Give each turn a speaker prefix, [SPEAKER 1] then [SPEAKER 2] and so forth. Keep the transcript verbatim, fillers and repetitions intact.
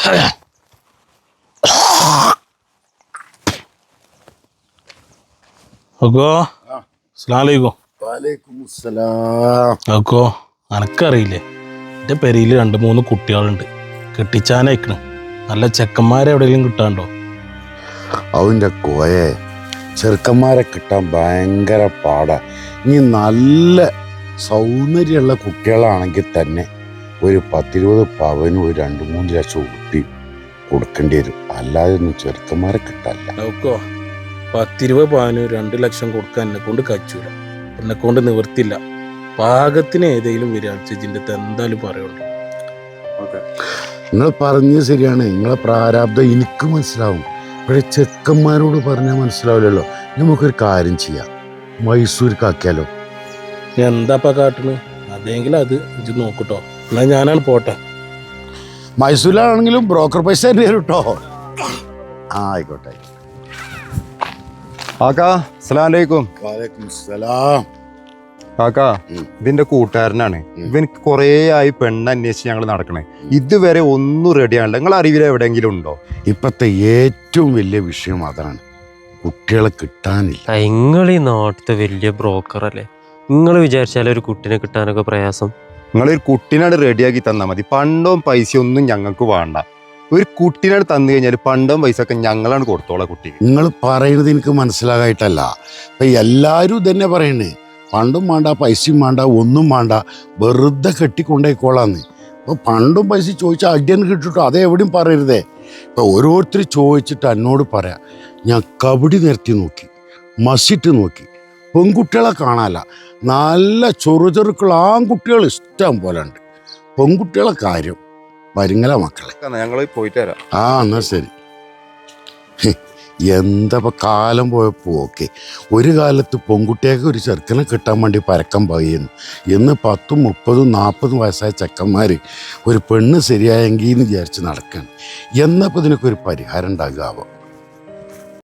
[SPEAKER 1] അക്കോ അസ്സലാമലൈക്കും.
[SPEAKER 2] വലൈക്കും അസ്സലാം.
[SPEAKER 1] അക്കോ അനക്കറിയില്ലേ, എൻ്റെ പെരയിൽ രണ്ട് മൂന്ന് കുട്ടികളുണ്ട്, കെട്ടിച്ചാനയക്കണ്. നല്ല ചെക്കന്മാരെ എവിടെയെങ്കിലും കിട്ടാണ്ടോ?
[SPEAKER 2] അവൻ്റെ കോയെ ചെറുക്കന്മാരെ കിട്ടാൻ ഭയങ്കര പാടാ. ഇനി നല്ല സൗന്ദര്യമുള്ള കുട്ടികളാണെങ്കിൽ തന്നെ ഒരു പത്തിരുപത് പവനും ഒരു രണ്ട് മൂന്ന് ലക്ഷം ഊട്ടി കൊടുക്കേണ്ടി വരും, അല്ലാതെ ഒന്നും ചെറുക്കന്മാരെ കിട്ടാനില്ല.
[SPEAKER 1] അക്കോ പത്തിരുപത് പവന് രണ്ട് ലക്ഷം കൊടുക്കാൻ എന്നെ കൊണ്ട് കച്ചൂല, എന്നെ കൊണ്ട് നിവർത്തില്ല. പാകത്തിന് ഏതെങ്കിലും വിരാജിന്റെ എന്തായാലും പറയുള്ളൂ.
[SPEAKER 2] നിങ്ങൾ പറഞ്ഞത് ശരിയാണ്, നിങ്ങളെ പ്രാരാബ്ദം എനിക്ക് മനസ്സിലാവും. പക്ഷേ ചെക്കന്മാരോട് പറഞ്ഞാൽ മനസ്സിലാവില്ലല്ലോ. നമുക്കൊരു കാര്യം ചെയ്യാം, മൈസൂർക്കാക്കിയാലോ?
[SPEAKER 1] എന്താപ്പാ കാട്ടണ്? അതെങ്കിലും അത് ഇജ്ജ് നോക്കൂട്ടോ. എന്നാ ഞാനാണ് പോട്ടെ.
[SPEAKER 2] മൈസൂരിലാണെങ്കിലും ബ്രോക്കർ പൈസ തന്നെ തരും കേട്ടോ. ആ ആയിക്കോട്ടെ.
[SPEAKER 3] കാക്കാ അസ്സലാമലൈക്കും.
[SPEAKER 2] വലൈക്കും സലാം.
[SPEAKER 3] കാക്കാ ഇതിന്റെ കൂട്ടുകാരനാണ്. ഇവനിക്ക് കുറേ ആയി പെണ്ണ് അന്വേഷിച്ച് ഞങ്ങൾ നടക്കണേ, ഇതുവരെ ഒന്നും റെഡിയാണല്ലോ. നിങ്ങൾ അറിവിൽ എവിടെയെങ്കിലും ഉണ്ടോ?
[SPEAKER 2] ഇപ്പത്തെ ഏറ്റവും വലിയ വിഷയം അതാണ്, കുട്ടികളെ കിട്ടാനില്ല.
[SPEAKER 4] നിങ്ങൾ ഈ നാട്ടിലത്തെ വലിയ ബ്രോക്കർ അല്ലേ, നിങ്ങൾ വിചാരിച്ചാലേ ഒരു കുട്ടിനെ കിട്ടാനൊക്കെ പ്രയാസം.
[SPEAKER 3] നിങ്ങളൊരു കുട്ടീനാണ് റെഡിയാക്കി തന്നാൽ മതി, പണ്ടവും പൈസ ഒന്നും ഞങ്ങൾക്ക് വേണ്ട. ഒരു കുട്ടീനാണ് തന്നു കഴിഞ്ഞാൽ പണ്ടവും പൈസ ഒക്കെ ഞങ്ങളാണ് കൊടുത്തോളാം കുട്ടിക്ക്.
[SPEAKER 2] നിങ്ങൾ പറയുന്നത് എനിക്ക് മനസ്സിലാകായിട്ടല്ല, ഇപ്പം എല്ലാവരും ഇതന്നെ പറയണേ, പണ്ടും വേണ്ട പൈസയും വേണ്ട ഒന്നും വേണ്ട, വെറുതെ കെട്ടിക്കൊണ്ടേക്കോളാന്ന്. അപ്പോൾ പണ്ടും പൈസ ചോദിച്ചാൽ അടിയൻ കിട്ടിട്ടോ, അത് എവിടെയും പറയരുതേ. ഇപ്പം ഓരോരുത്തർ ചോദിച്ചിട്ട് എന്നോട് പറയാം, ഞാൻ കബഡി നിരത്തി നോക്കി, മസിട്ട് നോക്കി, പെൺകുട്ടികളെ കാണാനല്ല, നല്ല ചെറു ചെറുക്കുള്ള ആൺകുട്ടികൾ ഇഷ്ടം പോലെ ഉണ്ട്. പെൺകുട്ടികളെ കാര്യം വരുങ്ങല മക്കളെ.
[SPEAKER 3] ഞങ്ങൾ പോയിട്ട് വരാം.
[SPEAKER 2] ആ എന്നാ ശരി. എന്താ കാലം പോയപ്പോൾ ഓക്കെ. ഒരു കാലത്ത് പെൺകുട്ടിയൊക്കെ ഒരു ചെറുക്കനെ കിട്ടാൻ വേണ്ടി പരക്കം പറയുന്നു. ഇന്ന് പത്തും മുപ്പതും നാൽപ്പതും വയസ്സായ ചെക്കന്മാർ ഒരു പെണ്ണ് ശരിയായെങ്കിൽ എന്ന് വിചാരിച്ച് നടക്കുകയാണ്. എന്നപ്പോൾ ഇതിനൊക്കെ ഒരു പരിഹാരം ഉണ്ടാകാവോ?